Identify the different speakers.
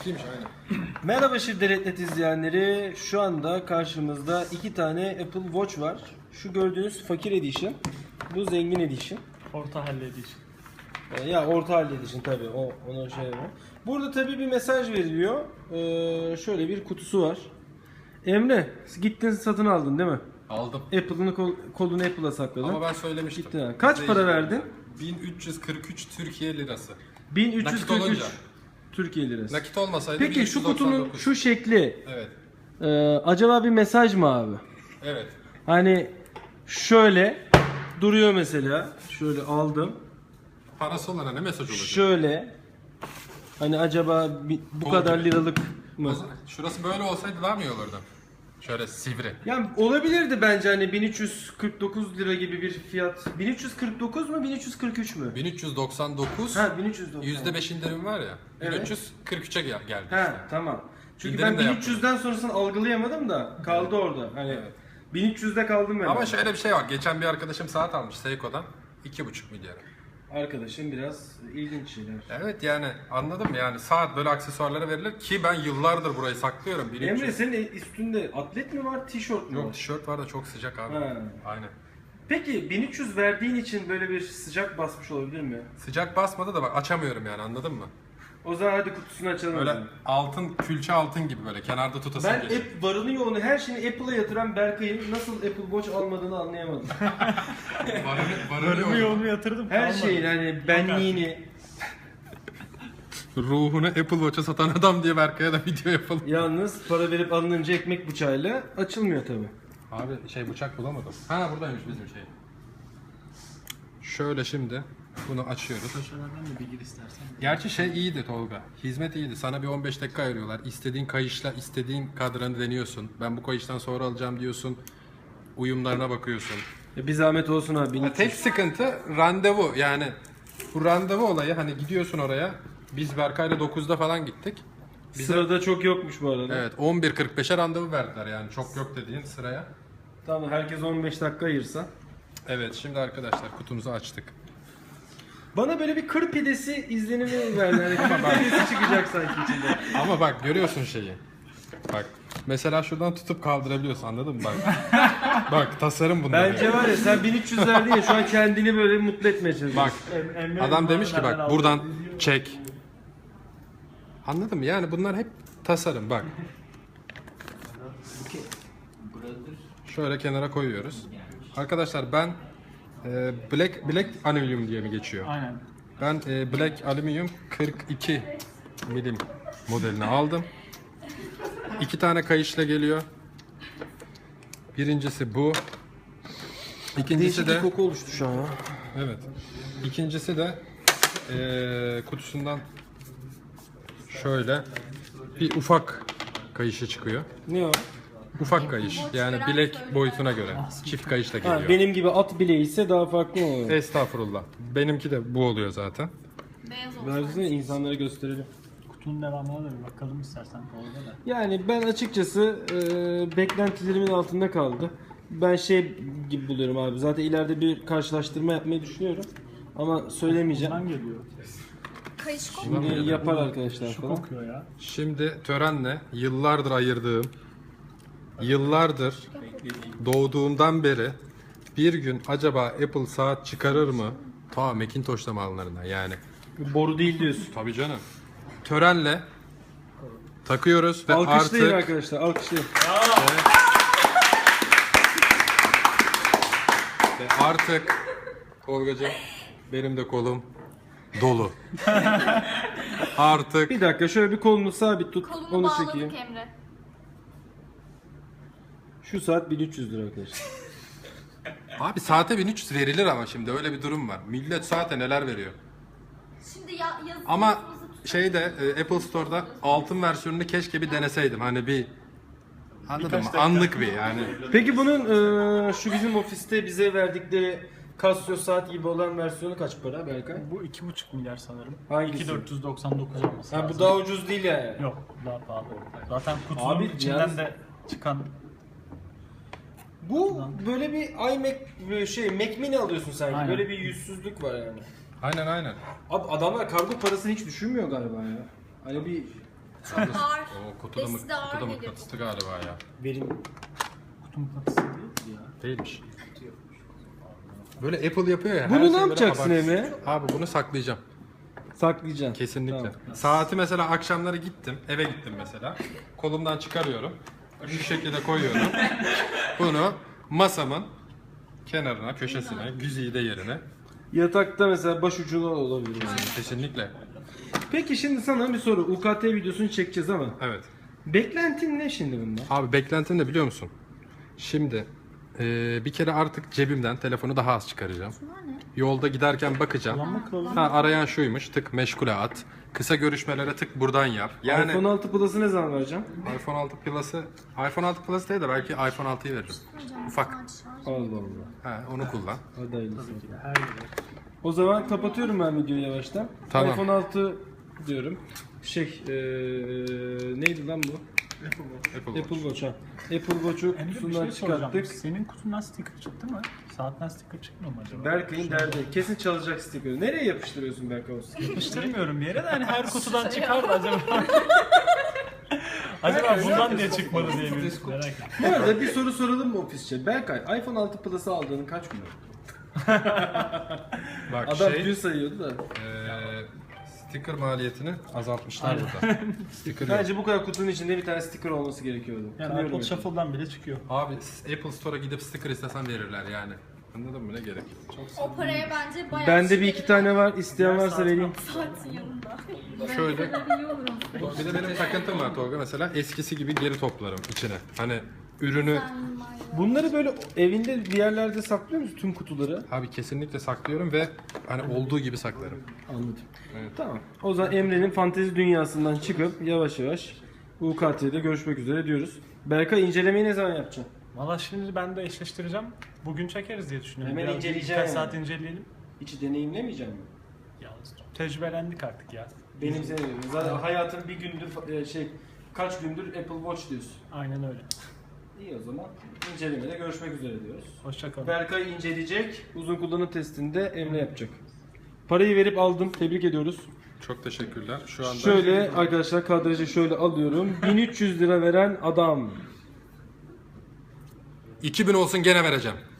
Speaker 1: Eskiymiş aynen.
Speaker 2: Merhaba Şirdeletnet izleyenleri. Şu anda karşımızda iki tane Apple Watch var. Şu gördüğünüz fakir edition. Bu zengin edition.
Speaker 3: Orta halli edition.
Speaker 2: Ya orta halli edition tabii. Ona şey var. Burada tabii bir mesaj veriliyor. Şöyle bir kutusu var. Emre, gittin satın aldın değil mi?
Speaker 1: Aldım.
Speaker 2: Apple'ın kolunu Apple'a sakladın.
Speaker 1: Ama ben söylemiştim.
Speaker 2: Gittin ha. Kaç para verdin?
Speaker 1: 1343 Türkiye lirası.
Speaker 2: 1343
Speaker 1: Nakit olunca.
Speaker 2: Türkiye lirası.
Speaker 1: Nakit olmasaydı
Speaker 2: Peki şu kutunun
Speaker 1: 1399.
Speaker 2: şu şekli
Speaker 1: Evet.
Speaker 2: acaba bir mesaj mı abi?
Speaker 1: Evet.
Speaker 2: Hani şöyle duruyor mesela. Şöyle aldım.
Speaker 1: Parası olana ne mesaj olacak?
Speaker 2: Şöyle. Hani acaba bu kadar liralık mı?
Speaker 1: Şurası böyle olsaydı daha mı iyi olurdu? Şöyle sivri.
Speaker 2: Yani olabilirdi bence hani 1349 lira gibi bir fiyat. 1349 mu 1343 mü?
Speaker 1: 1399.
Speaker 2: Ha 1399.
Speaker 1: %5 indirim var ya.
Speaker 2: Evet.
Speaker 1: 1343'e geldi.
Speaker 2: Ha tamam. Çünkü
Speaker 1: İndirim
Speaker 2: ben
Speaker 1: de
Speaker 2: 1300'den sonrasını algılayamadım da kaldı orada. Hani
Speaker 1: Evet.
Speaker 2: 1300'de kaldım ben.
Speaker 1: Ama şöyle bir şey var. Geçen bir arkadaşım saat almış Seiko'dan. 2,5 milyara.
Speaker 2: Arkadaşım biraz ilginç şeyler.
Speaker 1: Evet yani anladım mı? Yani saat böyle aksesuarlara verilir ki ben yıllardır burayı saklıyorum. 1300.
Speaker 2: Emre senin üstünde atlet mi var, tişört mü
Speaker 1: Yok
Speaker 2: var?
Speaker 1: tişört var da çok sıcak abi.
Speaker 2: Ha.
Speaker 1: Aynen.
Speaker 2: Peki 1300 verdiğin için böyle bir sıcak basmış olabilir mi?
Speaker 1: Sıcak basmadı da bak açamıyorum yani anladın mı?
Speaker 2: O zaman hadi kutusunu açalım.
Speaker 1: Böyle
Speaker 2: Böyle.
Speaker 1: altın, külçe altın gibi böyle kenarda tutasın
Speaker 2: Ben
Speaker 1: geliyor.
Speaker 2: varını yoğunu her şeyini Apple'a yatıran Berkay'ın nasıl Apple Watch almadığını anlayamadım.
Speaker 3: Varımı yoğumu yatırdım.
Speaker 2: Her
Speaker 3: kalmadı.
Speaker 2: şeyin hani benliğini.
Speaker 1: Ruhunu Apple Watch'a satan adam diye Berkay'a da video yapalım.
Speaker 2: Yalnız para verip alınınca ekmek bıçağıyla açılmıyor tabi.
Speaker 1: Abi bıçak bulamadım. Ha buradaymış bizim şey. Şöyle şimdi bunu açıyoruz.
Speaker 3: Köşelerden de bir gir istersen.
Speaker 1: Gerçi iyiydi Tolga. Hizmet iyiydi. Sana bir 15 dakika ayırıyorlar. İstediğin kayışla istediğin kadranı deniyorsun. Ben bu kayıştan sonra alacağım diyorsun. Uyumlarına bakıyorsun.
Speaker 2: Bir zahmet olsun abi. 1300.
Speaker 1: Tek sıkıntı randevu. Yani bu randevu olayı hani gidiyorsun oraya. Biz Berkay'la 9'da falan gittik.
Speaker 2: Sırada çok yokmuş bu arada.
Speaker 1: Evet 11.45'e randevu verdiler yani çok yok dediğin sıraya.
Speaker 2: Tamam herkes 15 dakika ayırsa.
Speaker 1: Evet şimdi arkadaşlar kutumuzu açtık.
Speaker 2: Bana böyle bir kır pidesi izlenimi verdi. Hani kır pidesi çıkacak sanki içinde.
Speaker 1: Ama bak görüyorsun şeyi. Bak mesela şuradan tutup kaldırabiliyorsun anladın mı? Bak. Bak tasarım bunlar.
Speaker 2: Bence
Speaker 1: yani.
Speaker 2: var ya sen 1300 verdin ya şu an kendini böyle mutlu etmeye çalışıyorsun.
Speaker 1: Bak
Speaker 3: Emre
Speaker 1: adam
Speaker 3: bunu
Speaker 1: demiş ki
Speaker 3: nereden
Speaker 1: bak
Speaker 3: aldın?
Speaker 1: buradan çek. Anladın mı? Yani bunlar hep tasarım bak. Şöyle kenara koyuyoruz. Arkadaşlar ben Black Aluminium diye mi geçiyor?
Speaker 3: Aynen.
Speaker 1: Ben Black Aluminium 42 milim modelini aldım. 2 tane kayışla geliyor. Birincisi bu. İkincisi
Speaker 2: Değişik
Speaker 1: de
Speaker 2: bir koku oluştu şu an ya.
Speaker 1: evet. İkincisi de kutusundan şöyle bir ufak kayışı çıkıyor.
Speaker 2: Ne o?
Speaker 1: Ufak kayış. Yani bilek boyutuna göre. Çift kayış da
Speaker 2: Ha,
Speaker 1: geliyor.
Speaker 2: benim gibi at bileği ise daha farklı oluyor.
Speaker 1: Estağfurullah. Benimki de bu oluyor zaten.
Speaker 4: Beyaz olsun.
Speaker 2: Versene insanlara gösterelim.
Speaker 3: Kutunun devamına da bir bakalım istersen. Orada da.
Speaker 2: Yani ben açıkçası beklentilerimin altında kaldı. Ben şey gibi buluyorum abi. Zaten ileride bir karşılaştırma yapmayı düşünüyorum. Ama söylemeyeceğim.
Speaker 3: Buradan geliyor.
Speaker 4: Kayış kol.
Speaker 2: Şimdi yapar arkadaşlar
Speaker 3: Şu
Speaker 2: falan.
Speaker 3: kokuyor ya.
Speaker 1: Şimdi törenle yıllardır ayırdığım, yıllardır doğduğundan beri bir gün acaba Apple saat çıkarır mı? Ta Macintosh'ta mallarına yani.
Speaker 2: Boru değil diyorsun.
Speaker 1: Tabii canım. Törenle takıyoruz ve
Speaker 2: Alkışlayın
Speaker 1: artık
Speaker 2: arkadaşlar, alkışlayın.
Speaker 1: artık Tolgacığım benim de kolum dolu. Artık
Speaker 2: Bir dakika şöyle bir kolunu sabit tut,
Speaker 4: Kolunu
Speaker 2: onu
Speaker 4: bağladık
Speaker 2: çekeyim.
Speaker 4: Emre.
Speaker 2: Şu saat 1300 lira arkadaşlar.
Speaker 1: abi saate 1300 verilir ama şimdi öyle bir durum var. Millet saate neler veriyor.
Speaker 4: Şimdi yazı
Speaker 1: Ama şeyde Apple Store'da altın versiyonunu keşke bir deneseydim. Hani bir anladın mı? Anlık bir yani.
Speaker 2: Peki bunun şu bizim ofiste bize verdikleri Casio saat gibi olan versiyonu kaç para Berkay?
Speaker 3: Bu 2,5 milyar sanırım.
Speaker 2: Hangisi?
Speaker 3: 2,499 olması
Speaker 2: Ha
Speaker 3: lazım.
Speaker 2: bu daha ucuz değil yani.
Speaker 3: Yok daha pahalı. Zaten kutunun
Speaker 2: Abi,
Speaker 3: içinden
Speaker 2: yalnız-
Speaker 3: de çıkan
Speaker 2: Bu böyle bir iMac Mac Mini alıyorsun sanki.
Speaker 3: Aynen.
Speaker 2: Böyle bir yüzsüzlük var yani.
Speaker 1: Aynen aynen.
Speaker 2: Abi adamlar kargo parasını hiç düşünmüyor galiba ya. Hani bir
Speaker 1: Yalnız
Speaker 4: Ağır.
Speaker 1: o kutuda
Speaker 4: Besi de ağır
Speaker 1: kutuda
Speaker 4: geliyor.
Speaker 1: mıknatıslı galiba ya.
Speaker 2: Benim
Speaker 3: Kutu mıknatısı değil ya.
Speaker 1: Değilmiş. Böyle Apple yapıyor ya. her
Speaker 2: Bunu
Speaker 1: şey
Speaker 2: ne
Speaker 1: böyle
Speaker 2: yapacaksın
Speaker 1: abartı.
Speaker 2: Emre?
Speaker 1: Abi bunu saklayacağım.
Speaker 2: Saklayacaksın.
Speaker 1: Kesinlikle.
Speaker 2: Tamam.
Speaker 1: Saati mesela akşamları gittim, eve gittim mesela. Kolumdan çıkarıyorum. Şu şekilde koyuyorum. Bunu masamın kenarına, köşesine, güzide yerine.
Speaker 2: Yatakta mesela başucuna olabilir. mesela.
Speaker 1: Kesinlikle.
Speaker 2: Peki şimdi sana bir soru. UKT videosunu çekeceğiz ama.
Speaker 1: Evet.
Speaker 2: Beklentin ne şimdi bunda?
Speaker 1: Abi beklentim ne biliyor musun? Şimdi bir kere artık cebimden telefonu daha az çıkaracağım. Yolda giderken bakacağım.
Speaker 3: Kullanma kılavuzu.
Speaker 1: Ha, arayan şuymuş, tık meşgule at. Kısa görüşmelere tık buradan yap. Yani
Speaker 2: iPhone 6 Plus'ı ne zaman vereceğim?
Speaker 1: iPhone 6 Plus'ı, iPhone 6 Plus değil de belki iPhone 6'yı veririm. Ufak.
Speaker 2: Allah Allah.
Speaker 1: Ha, onu kullan.
Speaker 2: Hadi hayırlısı.
Speaker 3: Her yere.
Speaker 2: O zaman kapatıyorum ben videoyu yavaştan.
Speaker 1: Tamam.
Speaker 2: iPhone 6 diyorum. Neydi lan bu?
Speaker 1: Apple
Speaker 2: Apple
Speaker 1: Watch.
Speaker 2: Watch ha. Apple Watch'u
Speaker 3: Emre bir
Speaker 2: kutusundan
Speaker 3: şey soracağım.
Speaker 2: çıkarttık.
Speaker 3: Senin kutundan sticker çıktı mı? Saatten sticker çıkmıyor mu acaba?
Speaker 2: Berkay'ın derdi. Kesin çalacak stikeri. Nereye yapıştırıyorsun Berkay o stikeri?
Speaker 3: Yapıştırmıyorum bir yere de hani her kutudan çıkar da acaba. Acaba bundan niye çıkmadı diye bir merak ettim.
Speaker 2: Bu arada bir soru soralım mı ofisçe? Berkay, iPhone 6 Plus'ı aldığının kaç gün oldu?
Speaker 1: Bak
Speaker 2: Adam
Speaker 1: şey,
Speaker 2: gün sayıyordu da.
Speaker 1: sticker maliyetini azaltmışlar burada. Sticker yok.
Speaker 2: Bence bu kadar kutunun içinde bir tane sticker olması gerekiyordu.
Speaker 3: Yani
Speaker 2: Kınıyorum
Speaker 3: iPod
Speaker 2: yani.
Speaker 3: Shuffle'dan bile çıkıyor.
Speaker 1: Abi Apple Store'a gidip sticker istesen verirler yani. Anladın mı? Ne gerek?
Speaker 4: O paraya bence bayağı
Speaker 2: Bende
Speaker 4: şey
Speaker 2: bir iki tane var. İsteyen varsa vereyim.
Speaker 4: saatin yanında.
Speaker 1: Şöyle. Bir de benim takıntım var Tolga, mesela eskisi gibi geri toplarım içine. Hani ürünü
Speaker 2: Bunları böyle evinde bir yerlerde saklıyor musun tüm kutuları?
Speaker 1: abi kesinlikle saklıyorum ve hani olduğu gibi saklarım.
Speaker 2: Anladım.
Speaker 1: Evet.
Speaker 2: Tamam. O zaman Emre'nin fantezi dünyasından çıkıp yavaş yavaş UKT'de görüşmek üzere diyoruz. Berkay incelemeyi ne zaman yapacaksın?
Speaker 3: Valla şimdi ben de eşleştireceğim. Bugün çekeriz diye düşünüyorum.
Speaker 2: Hemen
Speaker 3: Biraz
Speaker 2: inceleyeceğim
Speaker 3: birkaç
Speaker 2: yani.
Speaker 3: saat inceleyelim.
Speaker 2: Hiç deneyimlemeyecek misin?
Speaker 3: Yalnız tecrübelendik artık ya.
Speaker 2: Benim senin zaten hayatın bir gündür kaç gündür Apple Watch diyorsun.
Speaker 3: Aynen öyle.
Speaker 2: İyi o zaman incelemede görüşmek üzere diyoruz.
Speaker 3: Hoşçakalın.
Speaker 2: Berkay inceleyecek, uzun kullanım testinde Emre yapacak. Parayı verip aldım, tebrik ediyoruz.
Speaker 1: Çok teşekkürler. Şu anda
Speaker 2: Şöyle arkadaşlar kadrajı şöyle alıyorum. 1300 lira veren adam.
Speaker 1: 2000 olsun gene vereceğim.